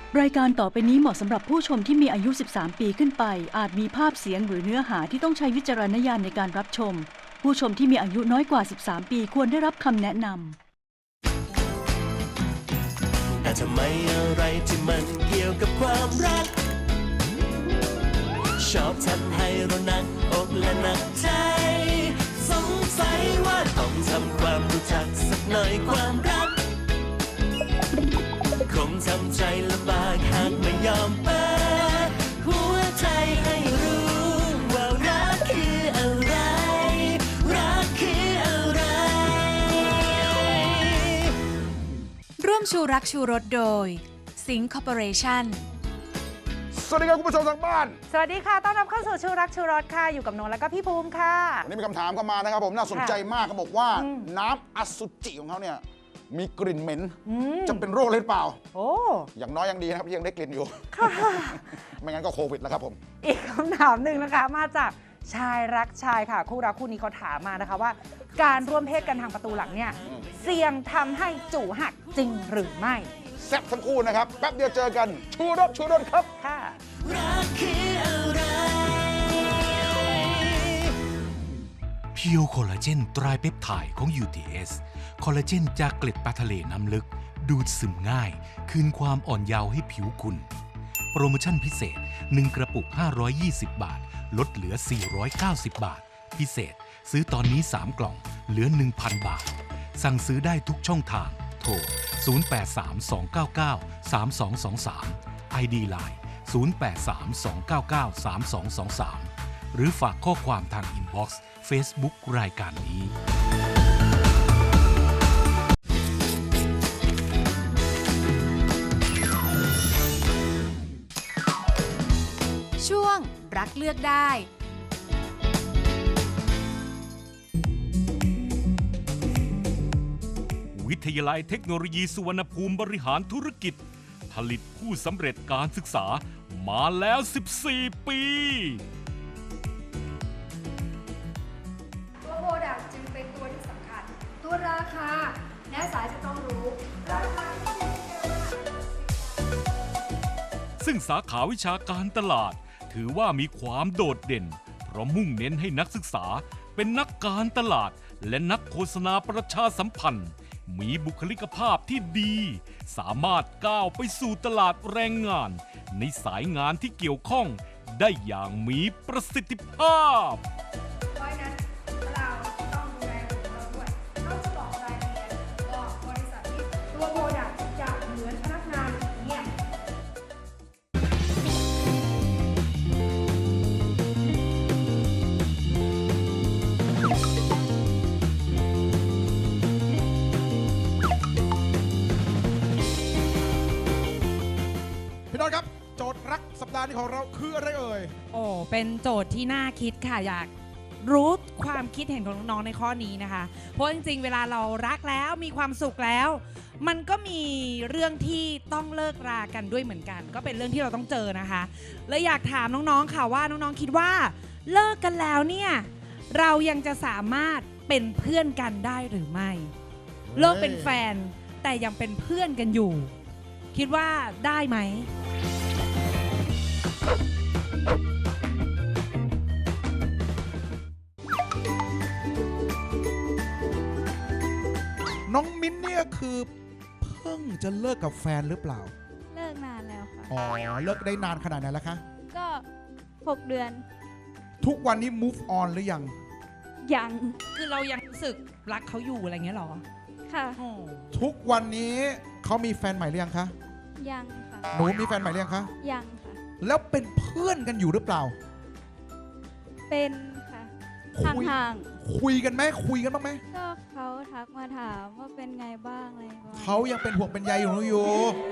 รายการต่อไปนี้เหมาะสำหรับผู้ชมที่มีอายุ 13 ปีขึ้นไปอาจมีภาพเสียงหรือเนื้อหาที่ต้องใช้วิจารณญาณในการรับชมผู้ชมที่มีอายุน้อยกว่า 13 ปีควรได้รับคำแนะนำแต่ทำไมอะไรที่มันเกี่ยวกับความรักชอบทำให้เราหนักอกและหนักใจสงสัยว่าต้องทำความรู้จักสักหน่อยความรักคงทำใจลำบากหากไม่ยอมเปิดหัวใจให้รู้ว่ารักคืออะไรรักคืออะไรร่วมชูรักชูรสโดยสิงห์คอร์ปอเรชั่นสวัสดีครับคุณผู้ชมทางบ้านสวัสดีค่ะต้อนรับเข้าสู่ชูรักชูรสค่ะอยู่กับนนท์และก็พี่ภูมิค่ะวันนี้มีคำถามเข้ามานะครับผมน่าสนใจมากเขาบอกว่าน้ำอสุจิของเขาเนี่ยมีกลิ่นเหม็นจะเป็นโรคหรือเปล่าโอ้อย่างน้อยยังดีนะครับที่ยังได้กลิ่นอยู่ไม่งั้นก็โควิดแล้วครับผมอีกคำถามหนึ่งนะคะมาจากชายรักชายค่ะคู่รักคู่นี้เขาถามมานะคะว่าการร่วมเพศกันทางประตูหลังเนี่ยเสี่ยงทำให้จู่หักจริงหรือไม่แซ่บทั้งคู่นะครับแป๊บเดียวเจอกันชูรสครับค่ะเพียวคอลลาเจนไตรเปปไทด์ของ UTS คอลลาเจนจากเกล็ดปลาทะเลน้ำลึกดูดซึมง่ายคืนความอ่อนเยาว์ให้ผิวคุณโปรโมชั่นพิเศษ1กระปุก520 บาทลดเหลือ490 บาทพิเศษซื้อตอนนี้3กล่องเหลือ 1,000 บาทสั่งซื้อได้ทุกช่องทางโทร0832993223 ID Line 0832993223 หรือฝากข้อความทางอินบ็อกซ์ Facebook รายการนี้ช่วงรักเลือกได้วิทยาลัยเทคโนโลยีสุวรรณภูมิบริหารธุรกิจผลิตผู้สำเร็จการศึกษามาแล้ว 14 ปีตัวโปรดักต์จึงเป็นตัวที่สำคัญตัวราคาและสายจะต้องรู้ราคาซึ่งสาขาวิชาการตลาดถือว่ามีความโดดเด่นเพราะมุ่งเน้นให้นักศึกษาเป็นนักการตลาดและนักโฆษณาประชาสัมพันธ์มีบุคลิกภาพที่ดีสามารถก้าวไปสู่ตลาดแรงงานในสายงานที่เกี่ยวข้องได้อย่างมีประสิทธิภาพเพราะนั้นเราต้องดูแลของเราด้วยเขาจะบอกรายละเอียดบอกบริษัทที่ตัวโปรดักต์จะเหมือนพนักงานเงียบพี่น้องครับโจทย์รักสัปดาห์นี้ของเราคืออะไรเอ่ยโอ้เป็นโจทย์ที่น่าคิดค่ะอยากรู้ความคิดเห็นของน้องๆในข้อนี้นะคะเพราะจริงๆเวลาเรารักแล้วมีความสุขแล้วมันก็มีเรื่องที่ต้องเลิกรากันด้วยเหมือนกันก็เป็นเรื่องที่เราต้องเจอนะคะเลยอยากถามน้องๆค่ะว่าน้องๆคิดว่าเลิกกันแล้วเนี่ยเรายังจะสามารถเป็นเพื่อนกันได้หรือไม่เลิกเป็นแฟนแต่ยังเป็นเพื่อนกันอยู่คิดว่าได้ไหมน้องมิ้นเนี่ยคือเพิ่งจะเลิกกับแฟนหรือเปล่าเลิกนานแล้วค่ะอ๋อเลิกได้นานขนาดไหนแล้วคะก็6 เดือนทุกวันนี้ move on หรือยังยังคือเรายังรู้สึกรักเขาอยู่อะไรเงี้ยหรอค่ะทุกวันนี้เขามีแฟนใหม่หรือยังคะยังค่ะหนูมีแฟนใหม่หรือยังคะยังค่ะแล้วเป็นเพื่อนกันอยู่หรือเปล่าเป็นค่ะห่างๆคุยกันไหมคุยกันบ้างไหมก็เขาทักมาถามว่าเป็นไงบ้างอะไรบ้างเขายังเป็นห่วงเป็นใยอยู่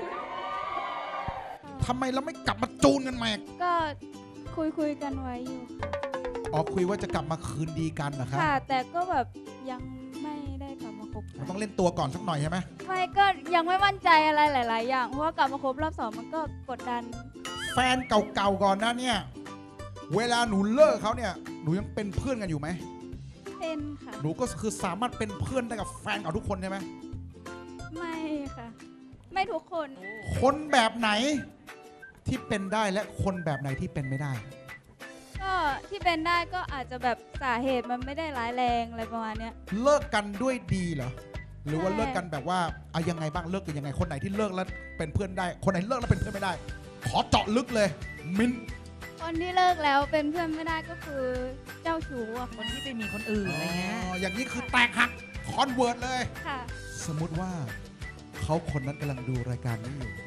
ทำไมเราไม่กลับมาจูนกันใหม่ก็คุยกันไว้อยู่อ๋อคุยว่าจะกลับมาคืนดีกันเหรอคะค่ะแต่ก็แบบยังไม่ได้กลับมาคบมันต้องเล่นตัวก่อนสักหน่อยใช่ไหมไม่ก็ยังไม่มั่นใจอะไรหลายๆอย่างเพราะว่ากลับมาคบรอบ 2มันก็กดดันแฟนเก่าๆก่อนนะเนี่ยเวลาหนูเลิกเขาเนี่ยหนูยังเป็นเพื่อนกันอยู่ไหมเป็นค่ะหนูก็คือสามารถเป็นเพื่อนได้กับแฟนเก่าทุกคนใช่ไหมไม่ค่ะไม่ทุกคนคนแบบไหนที่เป็นได้และคนแบบไหนที่เป็นไม่ได้ก็ที่เป็นได้ก็อาจจะแบบสาเหตุมันไม่ได้ร้ายแรงอะไรประมาณเนี้ยเลิกกันด้วยดีเหรอหรือว่าใช่เลิกกันแบบว่าเอายังไงบ้างเลิกกันยังไงคนไหนที่เลิกแล้วเป็นเพื่อนได้ คนไหนเลิกแล้วเป็นเพื่อนไม่ได้ ขอเจาะลึกเลย มิ้นคนที่เลิกแล้วเป็นเพื่อนไม่ได้ก็คือเจ้าชู้อะคนที่ไปมีคนอื่นอะไรเงี้ยอย่างนี้คือแตกหักคอนเวิร์ตเลยค่ะสมมุติว่าเขาคนนั้นกำลังดูรายการนี้อยู่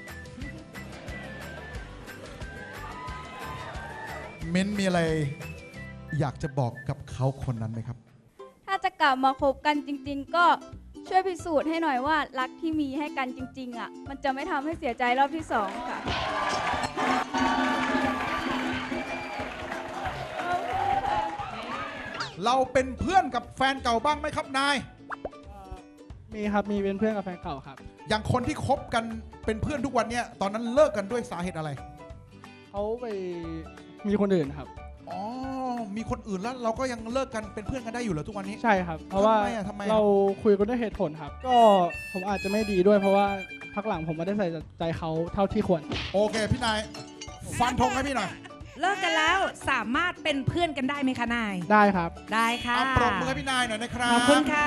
มิ้นมีอะไรอยากจะบอกกับเขาคนนั้นไหมครับถ้าจะกลับมาคบกันจริง ๆ ก็ช่วยพิสูจน์ให้หน่อยว่ารักที่มีให้กันจริง ๆ อ่ะ มันจะไม่ทำให้เสียใจรอบที่ 2 ค่ะเราเป็นเพื่อนกับแฟนเก่าบ้างไหมครับนายมีครับ มีเป็นเพื่อนกับแฟนเก่าครับอย่างคนที่คบกันเป็นเพื่อนทุกวันเนี้ยตอนนั้นเลิกกันด้วยสาเหตุอะไรเขาไปมีคนอื่นครับอ๋อ มีคนอื่นแล้วเราก็ยังเลิกกันเป็นเพื่อนกันได้อยู่เหรอทุกวันนี้ใช่ครับ เพราะว่าทำไมอะเราคุยกันด้วยเหตุผลครับ ก็ผมอาจจะไม่ดีด้วยเพราะว่าพักหลังผมไม่ได้ใส่ใจเขาเท่าที่ควรโอเคพี่นาย ฟันธงให้พี่หน่อยเลิกกันแล้วสามารถเป็นเพื่อนกันได้ไหมคะนายได้ครับได้ค่ะปรบมือให้พี่นายหน่อยนะครับขอบคุณค่ะ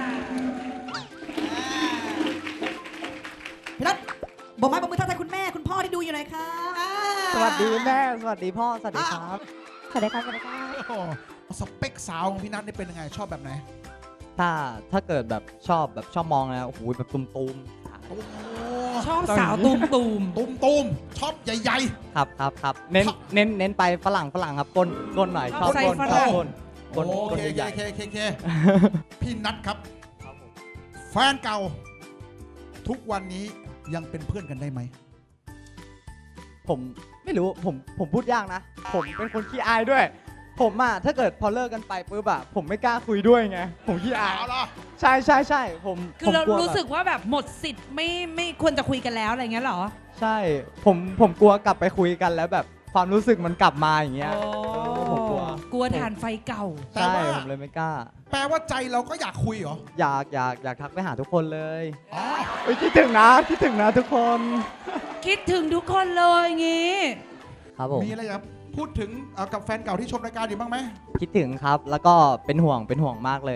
พี่รัตบอกไม้บอกมือทักทายคุณแม่คุณพ่อที่ดูอยู่หน่อยค่ะสวัสดีแม่ สวัสดีพ่อ สวัสดีครับสวัสดีครับสวัสดีครับโอ้โหสเปคสาวของพี่นัทนี่เป็นยังไงชอบแบบไหนถ้าเกิดแบบชอบมองนะโอ้โหแบบตุ้มโอ้ชอบสาวตูมตูมชอบใหญ่ๆครับเน้นไปฝรั่งครับก้นหน่อยชอบใส่ก้นฝชรั่อบงก้นโอก้นเคใหญ่เคพี่นัทครับ แฟนเก่า ทุกวันนี้ยังเป็นเพื่อนกันได้ไหมผมไม่รู้ผมพูดยากนะ ผมเป็นคนขี้อายด้วย ผมอะถ้าเกิดพอเลิกกันไปปุ๊บอะผมไม่กล้าคุยด้วยไงผมขี้อายเอาล่ะใช่ผมคือเราผมลัวรู้สึกว่าแบบหมดสิทธิ์ไม่ควรจะคุยกันแล้วอะไรเงี้ยเหรอใช่ผมกลัวกลับไปคุยกันแล้วแบบความรู้สึกมันกลับมาอย่างเงี้ย ผมกลัวกลัวทานไฟเก่าแต่ใช่ว่าผมเลยไม่กล้าแปลว่าใจเราก็อยากคุยเหรออยากทักไปหาทุกคนเลยอ๋อเอ้ยคิดถึงนะทุกคนคิดถึงทุกคนเลยงี้ครับผมมีอะไรจะพูดถึงกับแฟนเก่าที่ชมรายการอยู่บ้างไหมคิดถึงครับแล้วก็เป็นห่วงมากเลย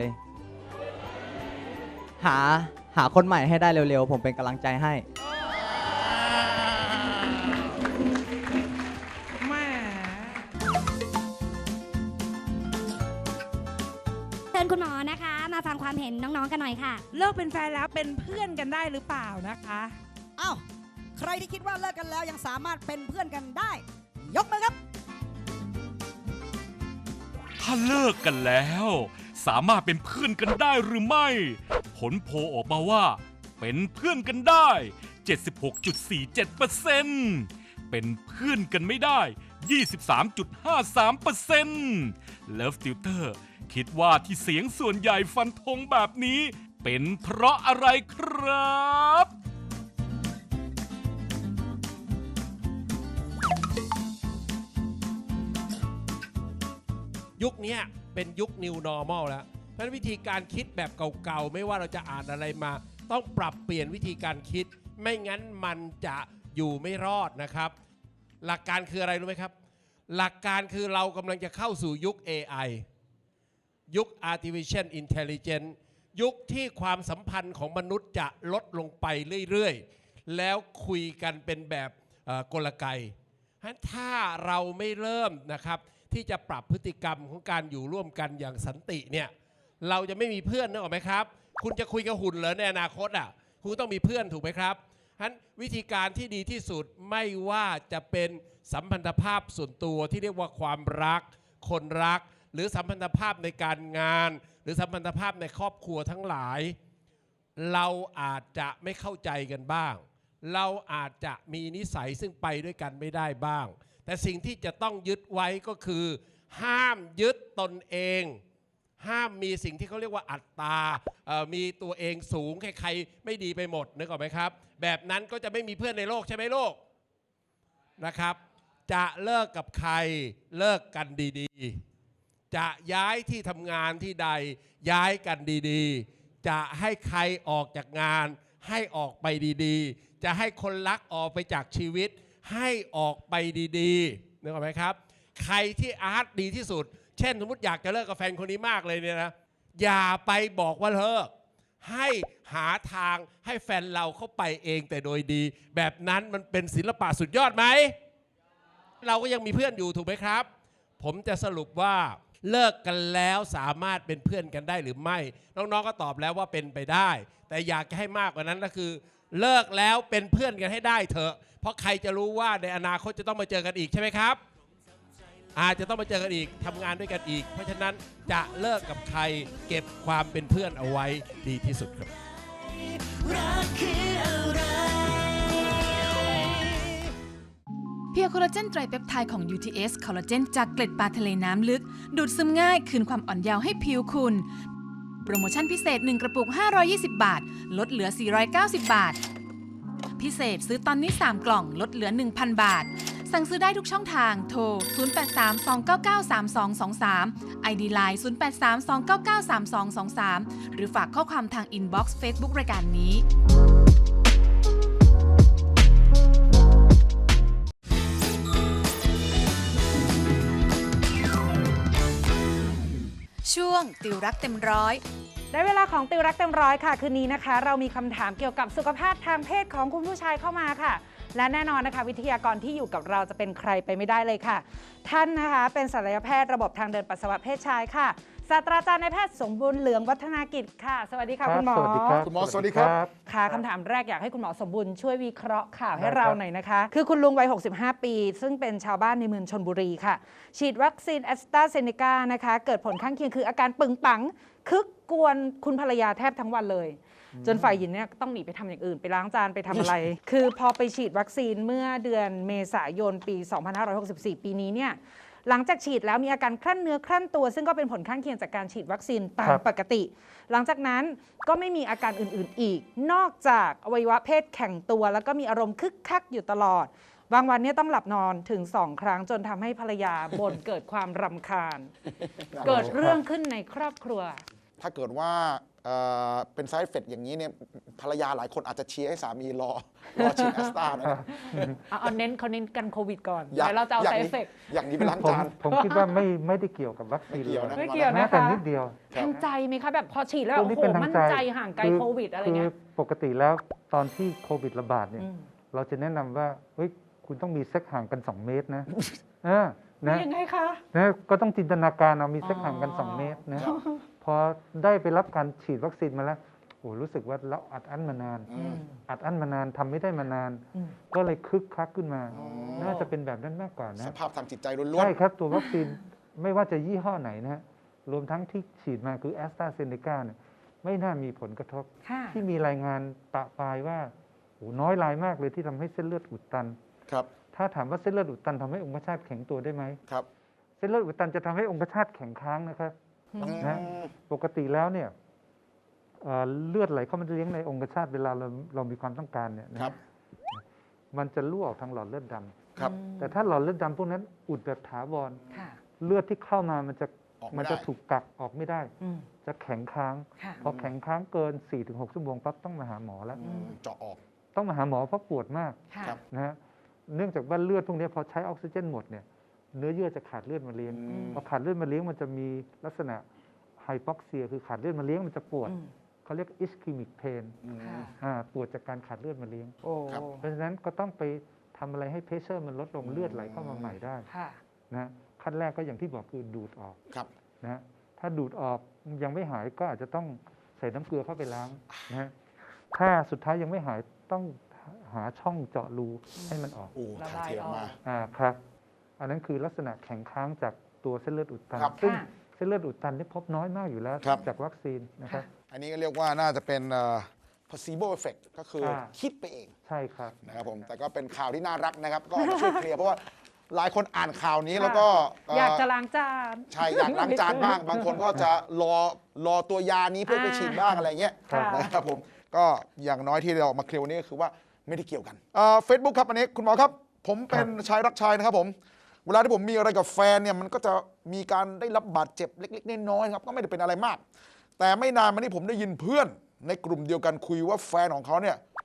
หาคนใหม่ให้ได้เร็วๆผมเป็นกำลังใจให้แม่เชิญคุณหมอนะคะ มาฟังความเห็นน้องๆกันหน่อยค่ะเลิกเป็นแฟนแล้วเป็นเพื่อนกันได้หรือเปล่านะคะอ้าว ใครที่คิดว่าเลิกกันแล้วยังสามารถเป็นเพื่อนกันได้ ยกมือครับถ้าเลิกกันแล้ว สามารถเป็นเพื่อนกันได้หรือไม่ ผลโพลออกมาว่า เป็นเพื่อนกันได้ 76.47% เป็นเพื่อนกันไม่ได้ 23.53% Love Tutor คิดว่าที่เสียงส่วนใหญ่ฟันธงแบบนี้ เป็นเพราะอะไรครับยุคนี้เป็นยุค New Normal แล้ว เพราะฉะนั้นวิธีการคิดแบบเก่าๆ ไม่ว่าเราจะอ่านอะไรมา ต้องปรับเปลี่ยนวิธีการคิด ไม่งั้นมันจะอยู่ไม่รอดนะครับ หลักการคืออะไรรู้ไหมครับ หลักการคือเรากำลังจะเข้าสู่ยุค AI ยุค Artificial Intelligence ยุคที่ความสัมพันธ์ของมนุษย์จะลดลงไปเรื่อยๆ แล้วคุยกันเป็นแบบกลไก ถ้าเราไม่เริ่มนะครับที่จะปรับพฤติกรรมของการอยู่ร่วมกันอย่างสันติเนี่ยเราจะไม่มีเพื่อนนึกออกไหมครับ คุณจะคุยกับหุ่นเหรอในอนาคตอ่ะคุณต้องมีเพื่อนถูกไหมครับฉะนั้นวิธีการที่ดีที่สุดไม่ว่าจะเป็นสัมพันธภาพส่วนตัวที่เรียกว่าความรักคนรักหรือสัมพันธภาพในการงานหรือสัมพันธภาพในครอบครัวทั้งหลายเราอาจจะไม่เข้าใจกันบ้างเราอาจจะมีนิสัยซึ่งไปด้วยกันไม่ได้บ้างแต่สิ่งที่จะต้องยึดไว้ก็คือห้ามยึดตนเองห้ามมีสิ่งที่เขาเรียกว่าอัตตามีตัวเองสูงใครๆไม่ดีไปหมดนึกออกไหมครับแบบนั้นก็จะไม่มีเพื่อนในโลกใช่ไหมโลกนะครับจะเลิกกับใครเลิกกันดีๆจะย้ายที่ทำงานที่ใดย้ายกันดีๆจะให้ใครออกจากงานให้ออกไปดีๆจะให้คนรักออกไปจากชีวิตให้ออกไปดีๆนึกออกไหมครับใครที่อาร์ตดีที่สุดเช่นสมมติอยากจะเลิกกับแฟนคนนี้มากเลยเนี่ยนะอย่าไปบอกว่าเลิกให้หาทางให้แฟนเราเข้าไปเองแต่โดยดีแบบนั้นมันเป็นศิลปะสุดยอดไหมเราก็ยังมีเพื่อนอยู่ถูกไหมครับผมจะสรุปว่าเลิกกันแล้วสามารถเป็นเพื่อนกันได้หรือไม่น้องๆก็ตอบแล้วว่าเป็นไปได้แต่อยากจะให้มากกว่านั้นก็คือเลิกแล้วเป็นเพื่อนกันให้ได้เถอะเพราะใครจะรู้ว่าในอนาคตจะต้องมาเจอกันอีกใช่ไหมครับอาจจะต้องมาเจอกันอีกทำงานด้วยกันอีกเพราะฉะนั้นจะเลิกกับใครเก็บความเป็นเพื่อนเอาไว้ดีที่สุดครับรักคืออะไรเพียวคอลลาเจนไตรเปปไทด์ของ UTS คอลลาเจนจากเกล็ดปลาทะเลน้ำลึกดูดซึมง่ายคืนความอ่อนเยาว์ให้ผิวคุณโปรโมชั่นพิเศษ1กระปุก520 บาทลดเหลือ490 บาทพิเศษซื้อตอนนี้3กล่องลดเหลือ 1,000 บาทสั่งซื้อได้ทุกช่องทางโทร 0832993223 ID Line 0832993223 หรือฝากข้อความทางอินบ็อกซ์ Facebook รายการนี้ช่วงติวรักเต็มร้อยได้เวลาของติวรักเต็มร้อยค่ะคืนนี้นะคะเรามีคำถามเกี่ยวกับสุขภาพทางเพศของคุณผู้ชายเข้ามาค่ะและแน่นอนนะคะวิทยากรที่อยู่กับเราจะเป็นใครไปไม่ได้เลยค่ะท่านนะคะเป็นศัลยแพทย์ระบบทางเดินปัสสาวะเพศชายค่ะศาสตราจารย์นายแพทย์สมบูรณ์เหลืองวัฒนากิจค่ะสวัสดีค่ะคุณหมอสวัสดีครับคุณหมอสวัสดีครับค่ะคำถามแรกอยากให้คุณหมอสมบูรณ์ช่วยวิเคราะห์ข่าวให้เราหน่อยนะคะคือคุณลุงวัย65 ปีซึ่งเป็นชาวบ้านในเมืองชลบุรีค่ะฉีดวัคซีนแอสตราเซเนกานะคะเกิดผลข้างเคียงคืออาการปึงปังคึกกวนคุณภรรยาแทบทั้งวันเลยจนฝ่ายหญิงเนี่ยต้องหนีไปทำอย่างอื่นไปล้างจานไปทำอะไร คือพอไปฉีดวัคซีนเมื่อเดือนเมษายนปี 2564 ปีนี้เนี่ยหลังจากฉีดแล้วมีอาการคลั่นเนื้อคลั่นตัวซึ่งก็เป็นผลข้างเคียงจากการฉีดวัคซีนตามปกติหลังจากนั้นก็ไม่มีอาการอื่นๆอีกนอกจากอวัยวะเพศแข็งตัวแล้วก็มีอารมณ์คึกคักอยู่ตลอดบางวันเนี่ยต้องหลับนอนถึง2 ครั้งจนทำให้ภรรยาบ่นเกิดความรำคาญเกิดเรื่องขึ้นในครอบครัวถ้าเกิดว่าเป็นไซด์เอฟเฟกต์อย่างนี้เนี่ยภรรยาหลายคนอาจจะเชียร์ให้สามีรอฉีดแอสตรานะครับเขาเน้นกันโควิดก่อนเดี๋ยวเราจะเอาไซด์เอฟเฟกต์อย่างนี้ไปล้างจานผมคิดว่าไม่ได้เกี่ยวกับวัคซีนไม่เกี่ยวนะคะแต่นิดเดียวทางใจไหมคะแบบพอฉีดแล้วโอ้โหมั่นใจห่างไกลโควิดอะไรเงี้ยปกติแล้วตอนที่โควิดระบาดเนี่ยเราจะแนะนำว่าเฮ้ยคุณต้องมีเซ็กห่างกัน2 เมตรนะยังไงคะก็ต้องจินตนาการเอามีเซ็กห่างกัน2 เมตรนะพอได้ไปรับการฉีดวัคซีนมาแล้วโอ้รู้สึกว่าเราอัดอั้นมานานทำไม่ได้มานานก็เลยคึกคักขึ้นมาน่าจะเป็นแบบนั้นมากกว่านะสภาพทางจิตใจล้วนๆใช่ครับตัววัคซีนไม่ว่าจะยี่ห้อไหนนะรวมทั้งที่ฉีดมาคือแอสตราเซเนกาเนี่ยไม่น่ามีผลกระทบที่มีรายงานปะปายว่าโอ้น้อยรายมากเลยที่ทำให้เส้นเลือดอุดตันครับถ้าถามว่าเส้นเลือดอุดตันทำให้องคชาตแข็งตัวได้ไหมครับเส้นเลือดอุดตันจะทำให้องคชาตแข็งค้างนะครับนะปกติแล้วเนี่ยเลือดไหลเข้ามาเลี้ยงในองคชาตเวลาเรามีความต้องการเนี่ยนะมันจะรั่วออกทางหลอดเลือดดำแต่ถ้าหลอดเลือดดำพวกนั้นอุดแบบถาวรเลือดที่เข้ามามันจะถูกกักออกไม่ได้จะแข็งค้างพอแข็งค้างเกิน 4-6 ชั่วโมงปั๊บต้องมาหาหมอแล้วเจาะออกต้องมาหาหมอเพราะปวดมากนะฮะเนื่องจากว่าเลือดพวกนี้พอใช้ออกซิเจนหมดเนี่ยเนื้อเยื่อจะขาดเลือดมาเลี้ยงพอขาดเลือดมาเลี้ยงมันจะมีลักษณะไฮปอกเซียคือขาดเลือดมาเลี้ยงมันจะปวดเขาเรียกอิสคิมิกเพนปวดจากการขาดเลือดมาเลี้ยงเพราะฉะนั้นก็ต้องไปทำอะไรให้เพรสเชอร์มันลดลงเลือดไหลเข้ามาใหม่ได้นะขั้นแรกก็อย่างที่บอกคือดูดออกนะถ้าดูดออกยังไม่หายก็อาจจะต้องใส่น้ำเกลือเข้าไปล้างนะถ้าสุดท้ายยังไม่หายต้องหาช่องเจาะรูให้มันออกถ่ายเทออกมาครับอันนั้นคือลักษณะแข็งค้างจากตัวเส้นเลือดอุดตันซึ่งเส้นเลือดอุดตันนี่พบน้อยมากอยู่แล้วจากวัคซีนนะครับอันนี้ก็เรียกว่าน่าจะเป็น placebo effect ก็คือคิดไปเองใช่ครับนะครับผมแต่ก็เป็นข่าวที่น่ารักนะครับก็ช่วยเคลียร์เพราะว่าหลายคนอ่านข่าวนี้แล้วก็อยากจะล้างจานใช่อยากล้างจานบ้างบางคนก็จะรอตัวยานี้เพื่อไปฉีดบ้างอะไรเงี้ยนะครับผมก็อย่างน้อยที่เราออกมาเคลียร์วันนี้ก็คือว่าไม่ได้เกี่ยวกันFacebook ครับอันนี้คุณหมอครับผมเป็นชายรักชายนะครับผมเวลาที่ผมมีอะไรกับแฟนเนี่ยมันก็จะมีการได้รับบาดเจ็บเล็กๆน้อยๆครับก็ไม่ได้เป็นอะไรมากแต่ไม่นานมานี้ผมได้ยินเพื่อนในกลุ่มเดียวกันคุยว่าแฟนของเขาเนี่ย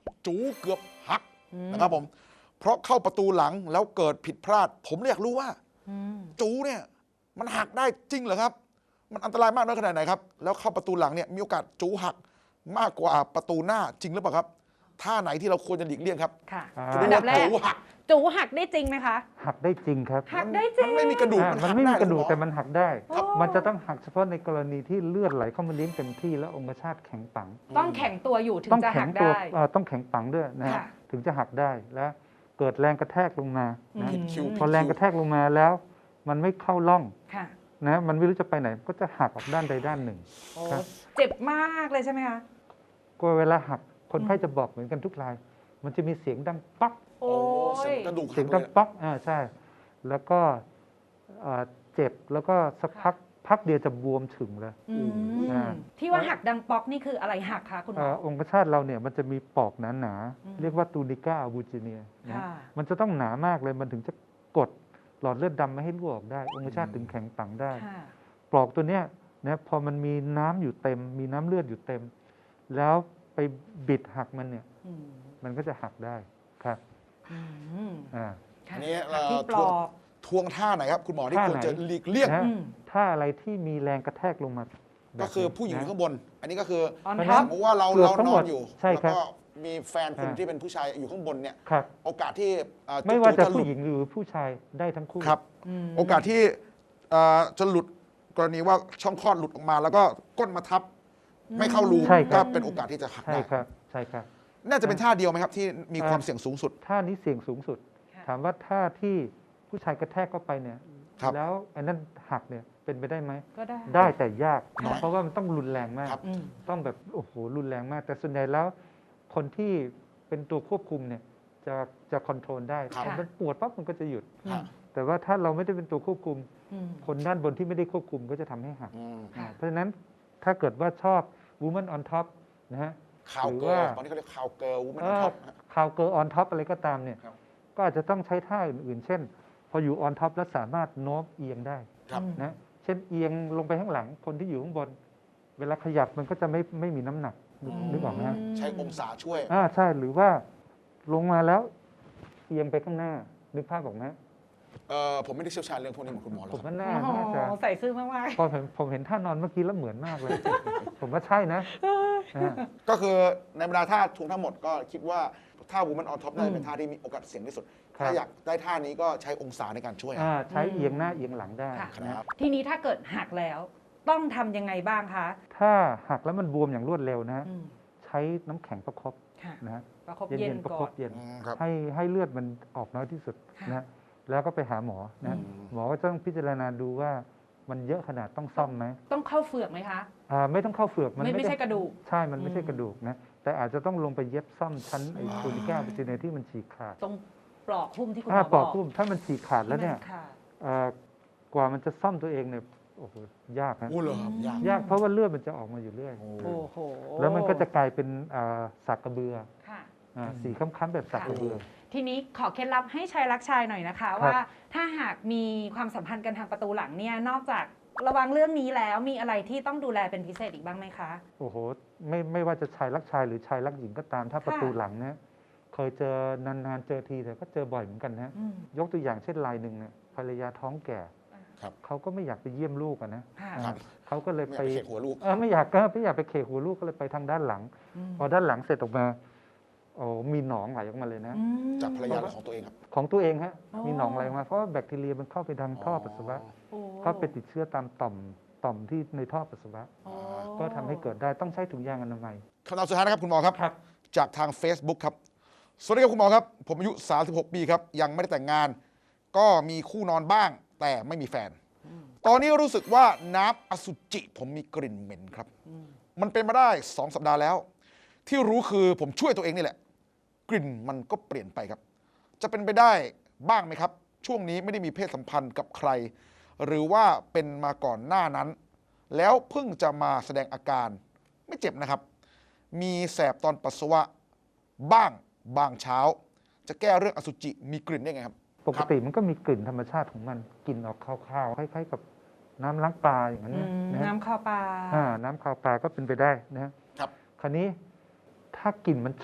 จูเกือบหักนะครับผมเพราะเข้าประตูหลังแล้วเกิดผิดพลาด ผมอยากรู้ว่าจูเนี่ยมันหักได้จริงเหรอครับมันอันตรายมากน้อยขนาดไหนครับแล้วเข้าประตูหลังเนี่ยมีโอกาสจูหักมากกว่าประตูหน้าจริงหรือเปล่าครับท่าไหนที่เราควรจะหลีกเลี่ยงครับค่ะอันดับแรกจูหักได้จริงไหมคะหักได้จริงครับหักได้จริงมันไม่มีกระดูกมันไม่มีกระดูกแต่มันหักได้ครับมันจะต้องหักเฉพาะในกรณีที่เลือดไหลเข้ามาเลี้ยงเต็มที่แล้วองคชาตแข็งปังต้องแข็งตัวอยู่ถึงต้องจะแข็หังกตัวได้ต้องแข็งปังด้วยนะฮะค่ะถึงจะหักได้และเกิดแรงกระแทกลงมานะผิดคิวพอแรงกระแทกลงมาแล้ว มันไม่เข้าร่องค่ะนะมันไม่รู้จะไปไหนก็จะหักออกด้านใดด้านหนึ่งโอ้ครับเจ็บมากเลยใช่ไหมคะก็เวลาหักคนไข้จะบอกเหมือนกันทุกราย มันจะมีเสียงดังป๊อกโอ้ยเสียงดังป๊อกใช่ แล้วก็เจ็บแล้วก็สักพักเดียวจะบวมฉึงเลย อ่าที่ว่าหักดังป๊อกนี่คืออะไรหักคะคุณหมอองคชาตเราเนี่ยมันจะมีปอกหนาๆเรียกว่าตูนิก้าอาบูจิเนียนะค่ะมันจะต้องหนามากเลยมันถึงจะกดหลอดเลือดดำไม่ให้รั่วออกได้ องคชาตถึงแข็งปังได้ค่ะปลอกตัวเนี้ยนะพอมันมีน้ำอยู่เต็ม มีน้ำเลือดอยู่เต็ม แล้วไปบิดหักมันเนี่ยมันก็จะหักได้ครับอ่าอันนี้หักที่ปลอกทวงท่าไหนครับคุณหมอที่ควรจะหลีกเลี่ยงนะถ้าอะไรที่มีแรงกระแทกลงมาก็คือผู้หญิงอยู่ข้างบน อันนี้ก็คือ On ส top มมติว่าเราเกือบทั้งนหมอดนอยู่ใช่แล้วครับก็มีแฟนคุณที่เป็นผู้ชายอยู่ข้างบนเนี่ยครับโอกาสที่จุไม่ว่าจะหลุผู้ดหญิงหรือผู้ชายได้ทั้งคู่ครับ โอกาสที่จะหลุดกรณีว่าช่องคลอดหลุดออกมา แล้วก็ก้นมาทับ ไม่เข้ารูใช่คก็รับเป็นโอกาสที่จะหักใช่ได้ครับใช่ครับน่าจะเป็นท่าเดียวไหมครับที่มีความเสี่ยงสูงสุดท่านี้เสี่ยงสูงสุด ถามว่าท่าที่ผู้ชายกระแทกเข้าไปเนี่ยครับแล้วอันนั้นหักเนี่ยเป็นไปได้ไหมก็ได้ได้แต่ยากน้อยเพราะว่ามันต้องรุนแรงมากครับต้องแบบโอ้โหรุนแรงมาก แต่ส่วนใหญ่แล้วคนที่เป็นตัวควบคุมเนี่ยจะคอนโทรลได้ครับพอมันปวดปั๊บมันก็จะหยุดครับแต่ว่าถ้าเราไม่ได้เป็นตัวควบคุม คนด้านบนที่ไม่ได้ควบคุมก็จะทำให้หัก เพราะฉะนั้นถ้าเกิดว่าชอบ woman on top นะฮะข่าวหรือเกิว่าร์ลตอนนี้เขาเรียกข่าวเกิร์ลวูแมนท็อปข่าวเกิร์ล on top อะไรก็ตามเนี่ยครับก็อาจจะต้องใช้ท่าอื่นๆ เช่น พออยู่ on top แล้วสามารถโน้มเอียงได้ครับนะเช่นเอียงลงไปข้างหลังคนที่อยู่ข้างบน เวลาขยับมันก็จะไม่มีน้ำหนักนึกออกไหมฮะใช้องศาช่วยใช่หรือว่าลงมาแล้วเอียงไปข้างหน้านึกภาพออกไหมผมไม่ได้เชี่ยวชาญเรื่องพวกนี้เหมือนคุณหมอหรอกผมครับว่าน่าโอ้โหจะใส่ซื่อมากพอผมเห็นท่านอนเมื่อกี้แล้วเหมือนมากเลย ผมว่าใช่นะนะฮะก็คือในบรรดาท่าทวงทั้งหมดก็คิดว่าท่า woman on top น่าจะเป็นท่าที่มีโอกาสเสี่ยงที่สุดครับถ้าอยากได้ท่านี้ก็ใช้องศาในการช่วยใช้เอียงหน้าเอียงหลังได้ค่ะนะๆ ทีนี้ถ้าเกิดหักแล้ว ต้องทำยังไงบ้างคะถ้าหักแล้วมันบวมอย่างรวดเร็วนะอืมใช้น้ำแข็งประคบค่ะนะฮะประคบเย็นประก่คอบ นเย็นครับให้เลือดมันออกน้อยที่สุดค่ะนะแล้วก็ไปหาหมอนะหมอก็ต้องพิจารณาดูว่ามันเยอะขนาดต้องซ่อมไหมต้องเข้าเฟือกไหมคะไม่ต้องเข้าเฟือกไม่ใช่กระดูกใช่ มันไม่ใช่กระดูกนะแต่อาจจะต้องลงไปเย็บซ่อมชั้นไอ้ตูนิก้าบิจิเนที่มันฉีกขาดตรงปลอกหุ้มที่คุณหมถ้าอปบออก กพุ่มถ้ามันฉีกขาดแล้วเนี่ยที่มันขาดกว่ามันจะซ่อมตัวเองเนี่ยโอ้โหยากนะโอ้เหรอครับยากยากเพราะว่าเลือดมันจะออกมาอยู่เรื่อยโอ้โหแล้วมันก็จะกลายเป็นสักกระเบือค่ะสีค้ำๆแบบสักกระเบือทีนี้ขอเคล็ดลับให้ชายรักชายหน่อยนะคะครับว่าถ้าหากมีความสัมพันธ์กันทางประตูหลังเนี่ยนอกจากระวังเรื่องนี้แล้วมีอะไรที่ต้องดูแลเป็นพิเศษอีกบ้างไหมคะโอ้โหไม่ว่าจะชายรักชายหรือชายรักหญิงก็ตาม ถ้าประตูหลังเนี่ยเคยเจอนานๆเจอทีแต่ก็เจอบ่อยเหมือนกันนะอืมยกตัวอย่างเช่นรายหนึ่งเนี่ยภรรยาท้องแก่ครับเขาก็ไม่อยากไปเยี่ยมลูกอะนะค่ะครับเขาก็เลยไม่ไปอยากไปเขกหัวลูกไม่อยากไปเขกหัวลูกก็เลยไปทางด้านหลังอืมพอด้านหลังเสร็จออกมาโอ้มีหนองไหลออกมาเลยนะอืมจากภรรยาหรือของตัวเองครับของตัวเองฮะอ๋อมีหนองไหลออกมาเพราะว่าแบคทีเรียมันเข้าไปทางท่อปัสสาวะโอ้ก็ไปติดเชื้อตามต่อมที่ในท่อปัสสาวะโอ้ก็ทำให้เกิดได้ต้องใช้ถุงยางอนามัยคำถามสุดท้ายนะครับคุณหมอครับครับจากทาง Facebook ครับ สวัสดีครับคุณหมอครับ ผมอายุ 36 ปีครับ ยังไม่ได้แต่งงาน ก็มีคู่นอนบ้าง แต่ไม่มีแฟน ตอนนี้รู้สึกว่าน้ำอสุจิผมมีกลิ่นเหม็นครับ มันเป็นมาได้ 2 สัปดาห์แล้ว ที่รู้คือผมช่วยตัวเองนี่แหละ กลิ่นมันก็เปลี่ยนไปครับ จะเป็นไปได้บ้างไหมครับ ช่วงนี้ไม่ได้มีเพศสัมพันธ์กับใคร หรือว่าเป็นมาก่อนหน้านั้น แล้วเพิ่งจะมาแสดงอาการไม่เจ็บนะครับ มีแสบตอนปัสสาวะบ้างบางเช้า จะแก้เรื่องอสุจิมีกลิ่นได้ไงครับปกติมันก็มีกลิ่นธรรมชาติของมันกลิ่นออกคาวๆคล้ายๆกับน้ำล้างปลาอย่างนั้นอืนะมนะฮะน้ำข้าวปลาน้ำคาวปลาก็เป็นไปได้นะครับ คราวนี้ถ้ากลิ่นมันฉุน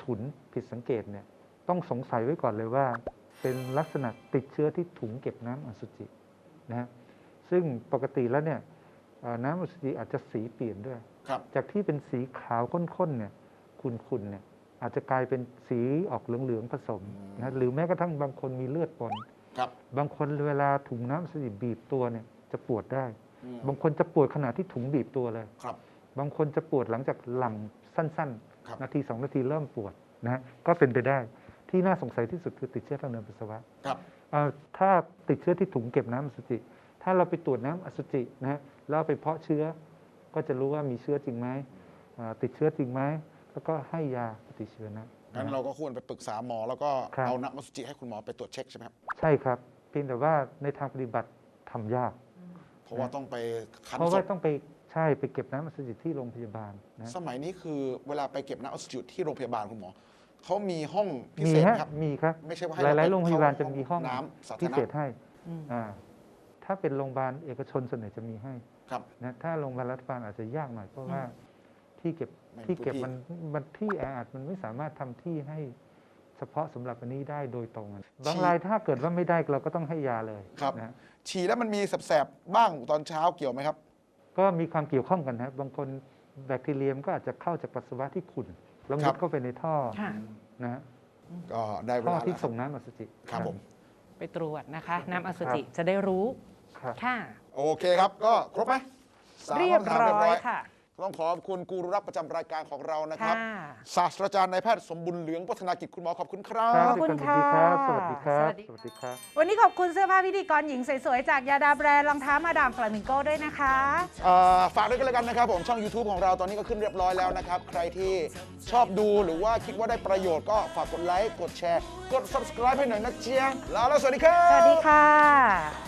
ผิดสังเกตเนี่ยต้องสงสัยไว้ก่อนเลยว่า เป็นลักษณะติดเชื้อที่ถุงเก็บน้ำอสุจินะฮะซึ่งปกติแล้วเนี่ยน้ำอสุจิอาจจะสีเปลี่ยนด้วยจากที่เป็นสีขาวข้นๆเนี่ยขุ่นๆเนี่ยอาจจะกลายเป็นสีออกเหลืองๆผสมนะหรือแม้กระทั่งบางคนมีเลือดปนบางคนเวลาถุงน้ำอสุจิบีบตัวเนี่ยจะปวดได้บางคนจะปวดขณะที่ถุงบีบตัวเลยบางคนจะปวดหลังจากหลั่งสั้นๆนาที2 นาทีเริ่มปวดนะก็เป็นไปได้ที่น่าสงสัยที่สุดคือติดเชื้อทางเดินปัสสาวะถ้าติดเชื้อที่ถุงเก็บน้ำอสุจิถ้าเราไปตรวจน้ำอสุจินะแล้วไปเพาะเชื้อก็จะรู้ว่ามีเชื้อจริงไหมติดเชื้อจริงไหมแล้วก็ให้ยาปฏิชีวนะงั้นเราก็ควรไปปรึกษาหมอแล้วก็เอาน้ำอสุจิให้คุณหมอไปตรวจเช็คใช่ไหมครับใช่ครับเพียงแต่ว่าในทางปฏิบัติทำยากเพราะว่าต้องไปคั้นเพราะว่าต้องไปไปเก็บน้ำอสุจิที่โรงพยาบาลนะสมัยนี้คือเวลาไปเก็บน้ำอสุจิที่โรงพยาบาลคุณหมอเขามีห้องพิเศษครับมีครับไม่ใช่ว่าหลายๆโรงพยาบาลจะมีห้องน้ำพิเศษให้ถ้าเป็นโรงพยาบาลเอกชนส่วนใหญ่จะมีให้นะถ้าโรงพยาบาลรัฐบาลอาจจะยากหน่อยเพราะว่าที่เก็บมันที่แออัดมันไม่สามารถทำที่ให้เฉพาะสำหรับอันนี้ได้โดยตรงบางรายถ้าเกิดว่าไม่ได้เราก็ต้องให้ยาเลยนะฉี่แล้วมันมีแสบๆบ้างตอนเช้าเกี่ยวไหมครับก็มีความเกี่ยวข้องกันนะบางคนแบคทีเรียมก็อาจจะเข้าจากปัสสาวะที่ขุ่นแล้วมุดเข้าไปในท่อนะก็ได้เวลาที่ส่งน้ำอสุจิครับผมไปตรวจนะคะน้ำอสุจิจะได้รู้ค่ะโอเคครับก็ครบไหมเรียบร้อยค่ะต้องขอบคุณกูรูรับประจำรายการของเรานะครับศาสตราจารย์นายแพทย์สมบุญเหลืองพัฒนากิจคุณหมอขอบคุณครับขอบคุณค่ะสวัสดีครับสวัสดีครับวันนี้ขอบคุณเสื้อผ้าพิธีกรหญิงสวยๆจากยาดาแบรนด์รองเท้ามาดามฟลามิงโก้ด้วยนะคะฝากด้วยกันแล้วกันนะครับผมช่อง YouTube ของเราตอนนี้ก็ขึ้นเรียบร้อยแล้วนะครับใครที่ชอบดูหรือว่าคิดว่าได้ประโยชน์ก็ฝากกดไลค์กดแชร์กด Subscribe ให้หน่อยนะเจียแล้วสวัสดีครับสวัสดีค่ะ